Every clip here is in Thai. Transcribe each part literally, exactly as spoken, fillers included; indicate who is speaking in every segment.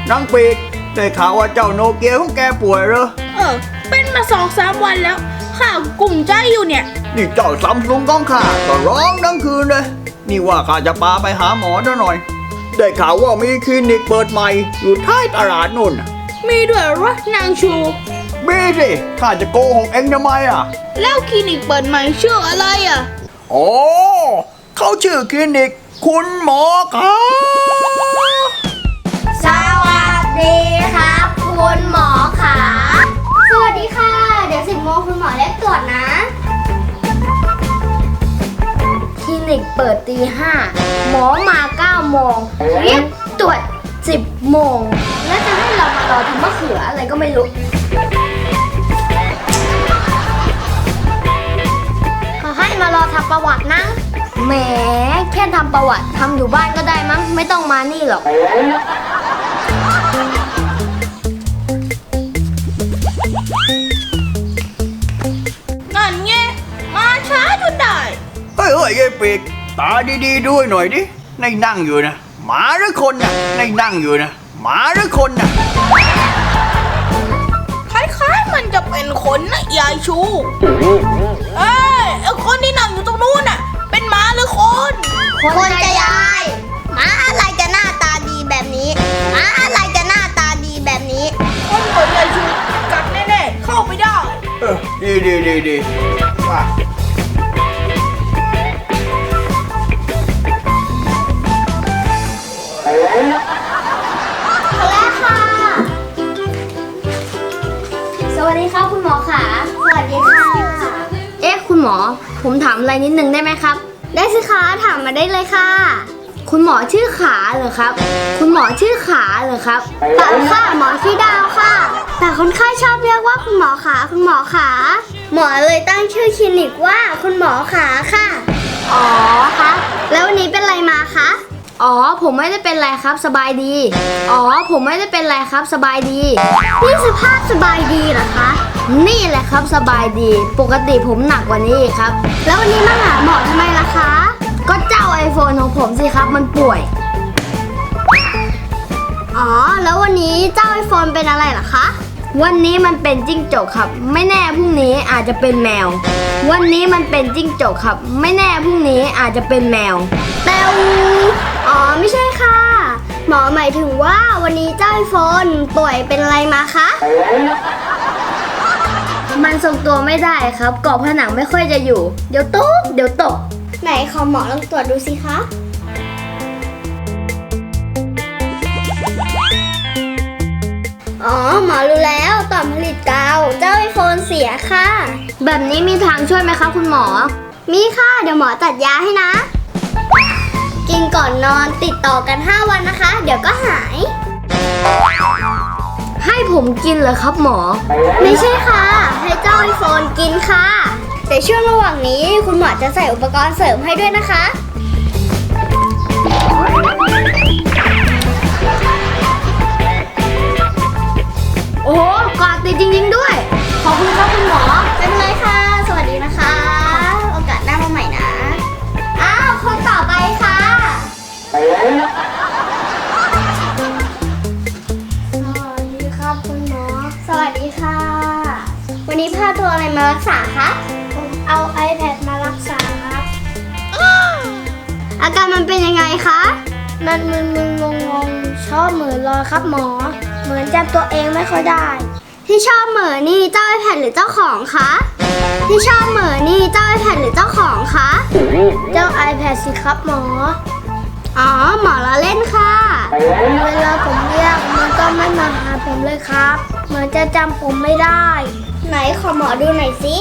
Speaker 1: นางปีกได้ข่าวว่าเจ้าโนเกียของแกป่วยเหรอ
Speaker 2: เออเป็นมาสองสามวันแล้วข้ากลุ่มใจอยู่เนี่ย
Speaker 1: นี่เจ้าซัมซุงของข้าก็ร้องทั้งคืนเลยนี่ว่าข้าจะพาไปหาหมอซะหน่อยได้ข่าวว่ามีคลินิกเปิดใหม่อยู่ท้ายตลาดนู่น
Speaker 2: มีด้วยเหรอนางชู
Speaker 1: มีสิข้าจะโกหกเอ็งทำไมอ่ะ
Speaker 2: แล้วคลินิกเปิดใหม่ชื่ออะไรอ่ะ
Speaker 1: โอ้เขาชื่อคลินิกคุณหมอครับ
Speaker 3: สวัสดีครับคุณหมอขาสวัสดีค่ะเดี๋ยวสิบโมงคุณหมอเรียกตรวจนะคลินิกเปิดตีห้าหมอมาเก้าโมงเรียกตรวจสิบโมงแล้วจะให้เรามารอทำมะเขืออะไรก็ไม่รู้เขาให้มารอทำประวัตินะแหมแค่ทำประวัติทำอยู่บ้านก็ได้มั้งไม่ต้องมานี่หรอก
Speaker 2: นั่นไงมาช้าจนได้
Speaker 1: เฮ้ยเฮ้ยยายปีกตาดีๆด้วยหน่อยดิในนั่งอยู่นะหมาหรือคนน่ะในนั่งอยู่นะหมาหรือคนน่ะ
Speaker 2: คล้ายๆมันจะเป็นคนนะยายชูเอ้ยไอ้คนที่นั่งอยู่ตรงนู้นน่ะเป็นหมาหรือคน
Speaker 3: คนจะยายหมาอะไรจะหน้าตาดีแบบนี้หมาอะไรจะหน้าตาดีแบบนี้
Speaker 2: คนเหมือนยายชูกัดแน่ๆเข้าไม่ได้
Speaker 1: เออดีดีดีดีว่า
Speaker 3: แล้วค่ะสวัสดีครับคุณหมอขาสวัสดีค่ะเอ๊ะคุณหมอผมถามอะไรนิดนึงได้ไหมครับได้สิคะถามมาได้เลยค่ะคุณหมอชื่อขาเหรอครับคุณหมอชื่อขาเหรอครับเปล่าค่ะหมอชื่อดาวค่ะแต่คนไข้ชอบเรียกว่าคุณหมอขาคุณหมอขาหมอเลยตั้งชื่อคลินิกว่าคุณหมอขาค่ะอ๋อคะแล้ววันนี้เป็นไรมาคะอ๋อผมไม่ได้เป็นไรครับสบายดีอ๋อผมไม่ได้เป็นไรครับสบายดีนี่สภาพสบายดีเหรอคะนี่แหละครับสบายดีปกติผมหนักกว่านี้ครับแล้ววันนี้มาหาหมอทำไมล่ะคะก็เจ้า ไอโฟน ของผมสิครับมันป่วยอ๋อแล้ววันนี้เจ้า ไอโฟน เป็นอะไรเหรอคะวันนี้มันเป็นจิ้งจกครับไม่แน่พรุ่งนี้อาจจะเป็นแมววันนี้มันเป็นจิ้งจกครับไม่แน่พรุ่งนี้อาจจะเป็นแมวแมวอ๋อไม่ใช่ค่ะหมอหมายถึงว่าวันนี้เจ้า ไอโฟน ป่วยเป็นอะไรมาคะมันทรงตัวไม่ได้ครับเกาะผนังไม่ค่อยจะอยู่เดี๋ยวตกเดี๋ยวตกไหนขอหมอลองตรวจดูสิคะอ๋อหมอรู้แล้วต่อมผลิตกาวเจ้า ไอโฟน เสียค่ะแบบนี้มีทางช่วยไหมคะคุณหมอมีค่ะเดี๋ยวหมอจัดยาให้นะกินก่อนนอนติดต่อกันห้าวันนะคะเดี๋ยวก็หายให้ผมกินเหรอครับหมอไม่ใช่ค่ะให้เจ้า ไอโฟน กินค่ะแต่ช่วงระหว่างนี้คุณหมอจะใส่อุปกรณ์เสริมให้ด้วยนะคะโอ้โหกอดติดจริงๆด้วยขอบคุณครับคุณหมอเป็นไรค่ะสวัสดีนะคะโอกาสหน้ามาใหม่นะอ้าวคนต่อไปค่ะสวัสดีครับคุณหมอสวัสดีค่ะวันนี้พาตัวอะไรมารักษาคะผมเอา ไอแพด มารักษาครับอาการมันเป็นยังไงคะมันมึนๆงงๆชอบเหม่อลอยครับหมอเหมือนจำตัวเองไม่ค่อยได้ที่ชอบเหม่อนี่เจ้า ไอแพด หรือเจ้าของคะที่ชอบเหม่อนี่เจ้า ไอแพด หรือเจ้าของคะเจ้า ไอแพด สิครับหมออ๋อหมอละเล่นค่ะเวลาผมเรียกมันก็ไม่มาหาผมเลยครับเหมือนจะจำผมไม่ได้ไหนขอหมอดูหน่อยสิ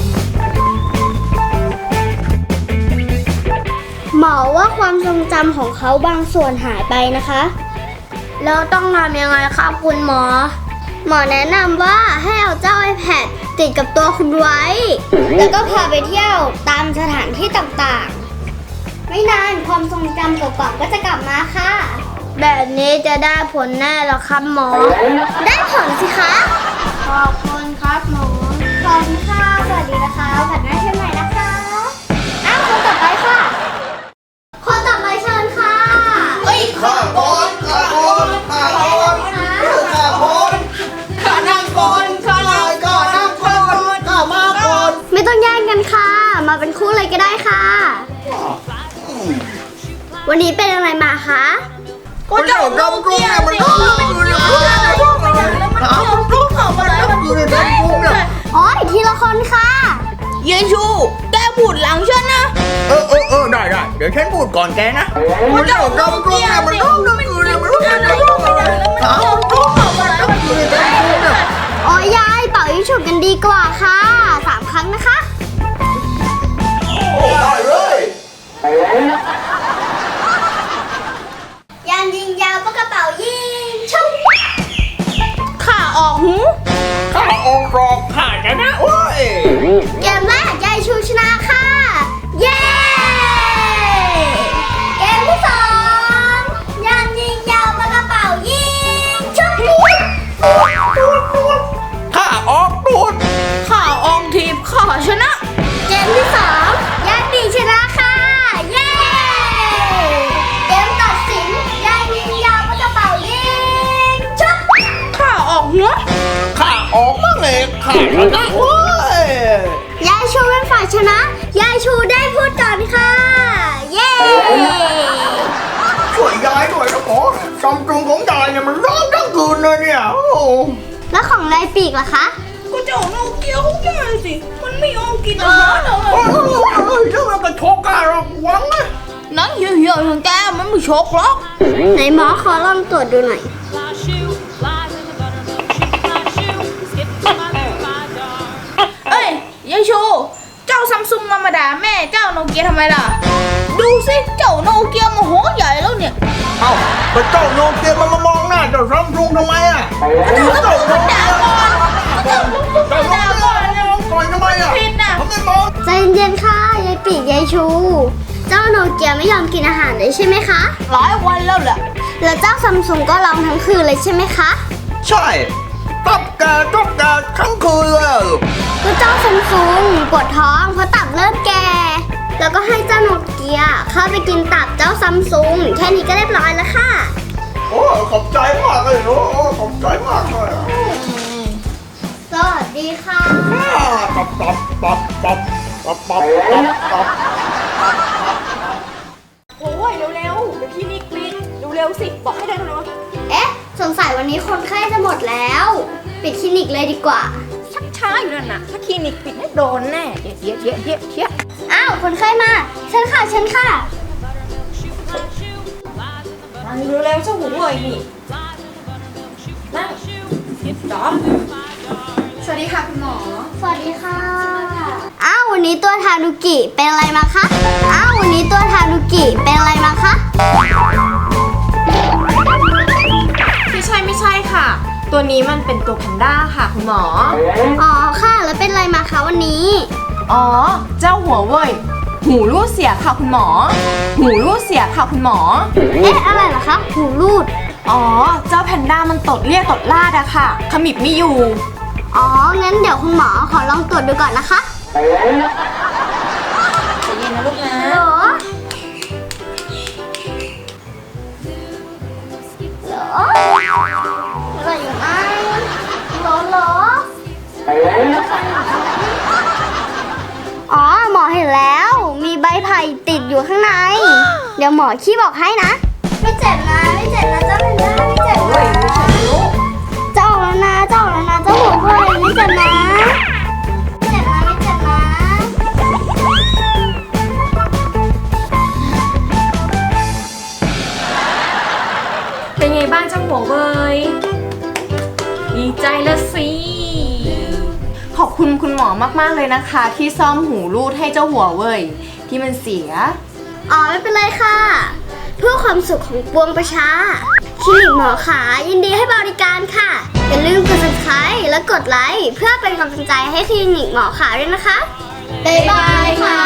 Speaker 3: หมอว่าความทรงจำของเขาบางส่วนหายไปนะคะแล้วต้องทำยังไงครับคุณหมอหมอแนะนำว่าให้เอาเจ้า ไอแพด ติดกับตัวคุณไว้แล้วก็พาไปเที่ยวตามสถานที่ต่างๆไม่นานความทรงจำเก่าๆก็จะกลับมาค่ะแบบนี้จะได้ผลแน่หรอครับหมอได้ผลสิคะขอบคุณครับหมอขอบคุณค่ะสวัสดีนะคะผัดหน้าเช่นใหม่นะคะอ้าวคนต่อไปค่ะคนต่อไปเชิญค่ะเอ้ย
Speaker 1: ข้าก่อนข้าก่อนข้าก่อน
Speaker 3: มาเป็นคู่เลยก็ได้ค่ะ วันนี้เป็นอะไรมาคะ
Speaker 2: ก็เจ้าโนเกียสิมันเกี่ยวแล้วมันเกี่ยวกับเขาอะไรมันพูดได้เลย
Speaker 3: อ๋อทีละคนค่ะ
Speaker 2: เยชูแกพูดหลังฉันนะ
Speaker 1: เออเออเออได้ได้เดี๋ยวฉันพูดก่อนแกนะ
Speaker 2: ก็เจ้าโนเกียสิมันพูดได้เลยมันเกี่ยวกับเขาอะไรมันพูดได้เลย
Speaker 3: โอ้ยยายเป่ายิงฉุบกันดีกว่าค่ะสามครั้งนะคะ
Speaker 1: โอ้ได้เลย
Speaker 3: ยางยิงยาวปากกระเป๋ายิงชุบ
Speaker 2: ข่าออกหู
Speaker 1: ข้าองค์รองข้าชนะโอ้ย
Speaker 3: เกมแรกยายชูชนะค่ะ เย้ เกมที่สองยางยิงยาวปากกระเป๋ายิงชุบ
Speaker 1: ข้าออกดูด
Speaker 2: ข่าออกทีบข่าชนะ
Speaker 3: เกมที่สองยายปีชนะค่ะ เย้ เกมตัดสินยายยิงยาวปากกระเป๋ายิงชุบ
Speaker 2: ข่าออกหัว
Speaker 1: ข้าออกมาเลยข้าชนะโอ้ย
Speaker 3: ยายชูเป็นฝ่ายชนะ ยายชูได้พูดก่อนค่ะ เย้
Speaker 1: ช่วยยายด้วยนะหมอซัมซุงของยายเนี่ยมันร้องทั้งคืนเลยเนี่ยโอ้
Speaker 3: แล้วของนายปีกล่ะคะ
Speaker 2: ก็เจ้าโนเกียเขาแก่สิ มันไม่ยอมกินอาหารเล
Speaker 1: โอ้
Speaker 2: ย
Speaker 1: ยถ้ามันกระชกกันเราหวังนะ
Speaker 2: นั่นเหี้ยๆของแกมันไม่ชกหรอก
Speaker 3: ไหนหมอขอลองตรวจดูหน่อย
Speaker 4: Fly shoe, flies in the buttermilk shoe, fly shoe, skip to my left, my darling.
Speaker 2: เอ้ยยายชูเจ้าซัมซุงมามาด่าแม่เจ้าโนเกียทำไมล่ะ ดูสิเจ้าโนเกียโมโหใหญ่แล้วเนี่ย
Speaker 1: เอ้าแต่เจ้าโนเกียมันมามองหน้าเจ้าซัมซุงทำไมอ่ะ
Speaker 2: เจ้าซัมซุงด่าก่อนเจ้าซัมซุง
Speaker 1: เจ้าโน
Speaker 2: ด่า
Speaker 1: เกีย
Speaker 2: ก่อน
Speaker 1: มองก่อนทำไมอ่ะ
Speaker 2: ผิดน่ะ
Speaker 1: ทำไมมอง
Speaker 3: ใจเย็นๆค่ะ ยายปีกยายชู เจ้าโนเกียไม่ยอมกินอาหารเลยใช่ไหมคะ
Speaker 2: หลายวันแล้วแหละ
Speaker 3: แล้วเจ้าซัมซุงก็ร้องทั้งคืนเลยใช่ไหมคะ
Speaker 1: ใช่ตับแกตับแกทั้งคืนเลย
Speaker 3: ก็เจ้าซัมซุงปวดท้องเพราะตับเริ่มแก่ แล้วก็ให้เจ้าโนเกียเข้าไปกินตับเจ้าซัมซุงแค่นี้ก็เรียบร้อยแล้วค่ะ
Speaker 1: โอ้ขอบใจมากเลยโอ้ขอบใจมากเลย
Speaker 3: สวัสดีค่ะ
Speaker 1: ตับตับตับตับตับตับตับตับ
Speaker 5: โอ้ยเร็วๆเดี๋ยวพี่นิกปิดเร็วๆสิ บอกให้ได้เร็ว
Speaker 3: เอ๊ะ สงสัยวันนี้คนไข้จะหมดแล้ว ปิดคลินิกเลยดีกว่า
Speaker 5: ๆชักช้าอยู่นั่นน่ะ ถ้าคลินิกปิดไม่โดนแน่เดี๋ยวเดี๋ยวเดี๋ยวเดี๋ยวเดี๋ยว
Speaker 3: อ้าว คนไข้มาเชิญค่ะเชิญค่ะ
Speaker 5: นั่งเร็วๆเจ้าหูเว่ยนี่ นั่งจอมสวัสดีค่ะคุณหมอ
Speaker 3: สวัสดีค่ะ อ้าว วันนี้ตัวทานุกิเป็นอะไรมาคะ อ้าว วันนี้ตัวทานุกิเป็นอะไรมาคะ
Speaker 5: ไม่ใช่ไม่ใช่ค่ะ ตัวนี้มันเป็นตัวแพนด้าค่ะคุณหมอ
Speaker 3: อ๋อค่ะ แล้วเป็นอะไรมาคะวันนี้
Speaker 5: อ๋อ เจ้าหัวเว่ยหูรูดเสียค่ะคุณหมอ หูรูดเสียค่ะคุณหมอ
Speaker 3: เอ๊ะ อะไรเหรอคะหูรูด
Speaker 5: อ๋อ เจ้าแพนด้ามันตดเรียกตดลาดอะค่ะ ขมิบไม่อยู่
Speaker 3: อ๋อ งั้นเดี๋ยวคุณหมอขอลองตรวจดูก่อนนะคะ
Speaker 5: ใจเย็นนะลูกนะ
Speaker 3: ฮัลโหลฮัลโหลอะไรอยู่ไหมฮัลโหลฮัลโหลอ๋อ หมอเห็นแล้ว มีใบไผ่ติดอยู่ข้างใน เดี๋ยวหมอขี้บอกให้นะ ไม่เจ็บนะ ไม่เจ็บนะเจ้าเพนด้าไม่เจ็บนะเจ้าออกแล้วนะเจ้าออกแล้วนะเจ้าหัวเว่ยไม่เจ็บนะไม่เจ็บนะไม่เจ็บนะ
Speaker 5: เป็นไงบ้างเจ้าหัวเว่ยดีใจละสิ ขอบคุณคุณหมอมากๆเลยนะคะ ที่ซ่อมหูรูดให้เจ้าหัวเว่ยที่มันเสีย
Speaker 3: อ๋อไม่เป็นไรค่ะ เพื่อความสุขของปวงประชาคลินิกหมอขายินดีให้บริการค่ะ อย่าลืมกด ซับสไครบ์ และกดไลค์เพื่อเป็นกำลังใจให้คลินิกหมอขาด้วยนะคะ บ๊ายบายค่ะ